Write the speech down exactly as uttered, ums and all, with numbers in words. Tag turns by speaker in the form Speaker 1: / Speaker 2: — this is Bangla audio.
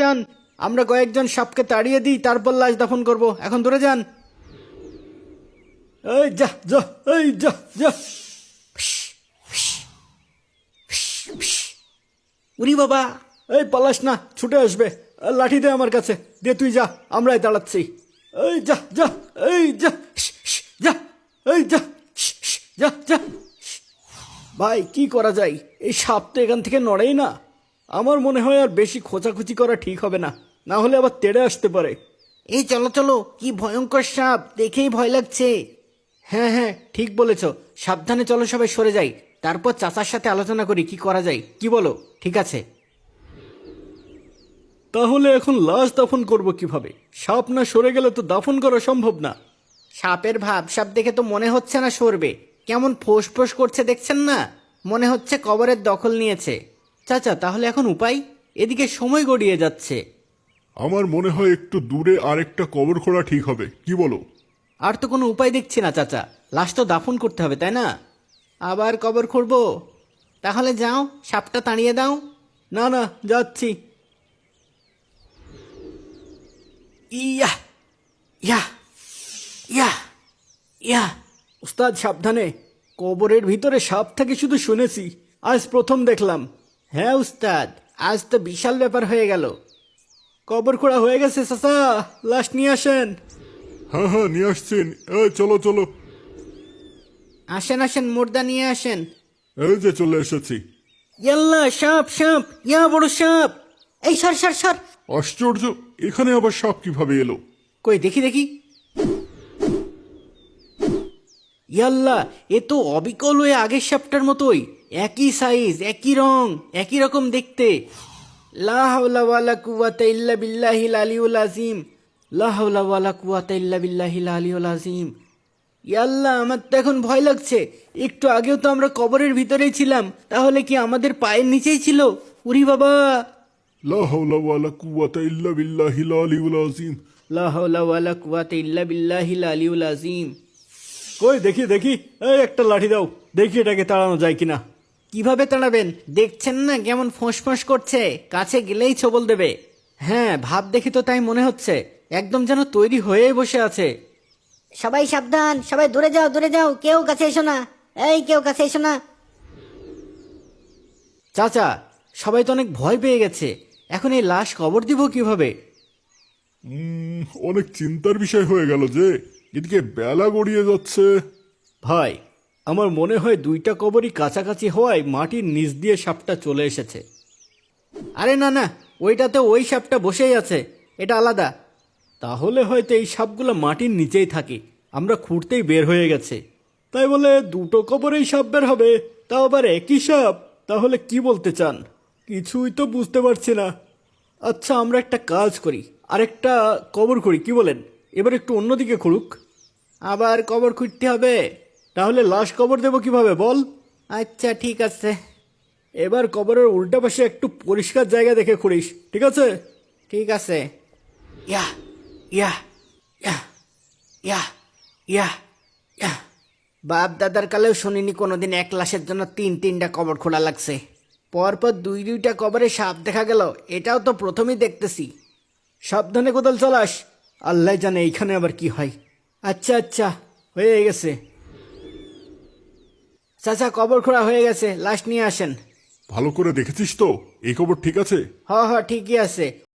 Speaker 1: যান, আমরা কয়েকজন সাপকে তাড়িয়ে দিই, তারপর লাশ দাফন করব। এখন দূরে যান। এই যা যা, এই যা যা। উরি বাবা, এই পালাস না, ছুটে আসবে। লাঠি দে আমার কাছে, দে তুই যা, আমরাই দাঁড়াচ্ছি। এই যা যা, এই যা যা, এই যা যা যা। ভাই কি করা যায়, এই সাপ তো এখান থেকে নড়েই না। আমার মনে হয় আর বেশি খোঁচাখুচি করা ঠিক হবে না, না হলে আবার তেড়ে আসতে পারে। এই চলো চলো, কি ভয়ঙ্কর সাপ, দেখেই ভয় লাগছে। হ্যাঁ হ্যাঁ ঠিক বলেছ, সাবধানে চলো, সবাই সরে যাই, তারপর চাচার সাথে আলোচনা করি কি করা যায়। কি বলো? ঠিক আছে। তাহলে এখন লাশ দাফন করব কিভাবে? সাপ না সরে গেলে তো দাফন করা সম্ভব না। সাপের ভাব সাপ দেখে তো মনে হচ্ছে না সরবে, কেমন ফোঁস ফোঁস করছে দেখছেন না, মনে হচ্ছে কবরের দখল নিয়েছে। চাচা তাহলে এখন উপায়? এদিকে সময় গড়িয়ে যাচ্ছে।
Speaker 2: আমার মনে হয় একটু দূরে আরেকটা কবর খোঁড়া ঠিক হবে, কি বলো?
Speaker 1: আর তো কোনো উপায় দেখছি না চাচা, লাশ তো দাফন করতে হবে তাই না? আবার কবর খুঁড়বো? তাহলে যাও, সাপটা তাড়িয়ে দাও। না না, যাচ্ছি। ইয়া ইয়া ইয়া ইয়া। উস্তাদ সাবধানে, কবরের ভিতরে সাপ থাকে শুধু শুনেছি, আজ প্রথম দেখলাম। হ্যাঁ উস্তাদ, আজ তো বিশাল ব্যাপার হয়ে গেল। কবর খোঁড়া হয়ে গেছে চাচা, লাশ নিয়ে আসেন।
Speaker 2: হ্যাঁ হ্যাঁ নিয়ে আসছেন, এই চলো চলো।
Speaker 1: আসেন আসেন, মুর্দা নিয়ে আসেন।
Speaker 2: এই যে চলে এসেছি।
Speaker 1: ইয়াল্লা, সাপ সাপ, ইয়া বড় সাপ। এই সর সর সর।
Speaker 2: আশ্চর্য, এখানে আবার সাপ কিভাবে এলো?
Speaker 1: কই দেখি দেখি। ইয়াল্লা, এ তো অবিকল হয়ে আগের সাপটার মতোই, একই সাইজ, একই রং, একই রকম দেখতে। লা হাওলা ওয়ালা কুওয়াতা ইল্লা বিল্লাহিল আলিয়ুল আযীম, লা হাওলা ওয়ালা কুওয়াতা ইল্লা বিল্লাহিল আলিয়ুল আযীম। ইয়াল্লা, আমার তো এখন ভয় লাগছে। একটু আগেও তো আমরা কবরের ভিতরেই ছিলাম, তাহলে কি আমাদের পায়ের নিচেই ছিল? উরি বাবা।
Speaker 2: লা হাওলা ওয়ালা কুওয়াতা ইল্লা বিল্লাহিল আলিয়ুল আযীম।
Speaker 1: লা হাওলা ওয়ালা কুওয়াতা ইল্লা বিল্লাহিল আলিয়ুল আযীম। কই দেখি দেখি, এই একটা লাঠি দাও, দেখি এটাকে তাড়ানো যায় কিনা। কিভাবে তাড়াবেন? দেখছেন না কেমন ফোঁস করছে, কাছে গেলেই ছবল দেবে। হ্যাঁ, ভাব দেখি তো তাই মনে হচ্ছে, একদম যেন তৈরি হয়েই বসে আছে।
Speaker 3: সবাই সাবধান, সবাই দূরে যাও, দূরে যাও, কেউ কাছে এসো না। এই কেউ কাছে এসো না।
Speaker 1: চাচা, সবাই তো অনেক ভয় পেয়ে গেছে, এখন এই লাশ কবর দিব কিভাবে?
Speaker 2: উম, অনেক চিন্তার বিষয় হয়ে গেল যে, এদিকে বেলা গড়িয়ে যাচ্ছে।
Speaker 1: ভাই, আমার মনে হয় দুইটা কবরই কাছাকাছি হওয়ায় মাটির নিচ দিয়ে সাপটা চলে এসেছে। আরে না না, ওইটাতে ওই সাপটা বসেই আছে, এটা আলাদা। তাহলে হয়তো এই সাপগুলো মাটির নিচেই থাকে, আমরা খুঁড়তেই বের হয়ে গেছে। তাই বলে দুটো কবরেই সাপ বের হবে, তাও আবার একই সাপ? তাহলে কি বলতে চান? কিছুই তো বুঝতে পারছি না। আচ্ছা, আমরা একটা কাজ করি, আরেকটা কবর করি, কি বলেন? এবার একটু অন্যদিকে খুঁড়ুক। আবার কবর খুঁড়তে হবে? তাহলে লাশ কবর দেবো কিভাবে বল? আচ্ছা ঠিক আছে, এবার কবরের উল্টা পাশে একটু পরিষ্কার জায়গা দেখে খুঁড়িস, ঠিক আছে? ঠিক আছে। ইয়া ইয়া ইয়া ইয়া ইয়া ইয়া। বাপ দাদার কালেও শুনিনি কোনোদিন এক লাশের জন্য তিন তিনটা কবর খোলা লাগছে, পরপর দুই দুইটা কবরে সাপ দেখা গেল, এটাও তো প্রথমেই দেখতেছি। সাবধানে কোদাল চালাস, আল্লাহ জানে এইখানে আবার কি হয়। আচ্ছা আচ্ছা, হয়ে গেছে। চাচা, কবর খোঁড়া হয়ে গেছে, লাশ নিয়ে আসেন।
Speaker 2: ভালো করে দেখেছিস তো, এই কবর ঠিক আছে?
Speaker 1: হ হ ঠিকই আছে,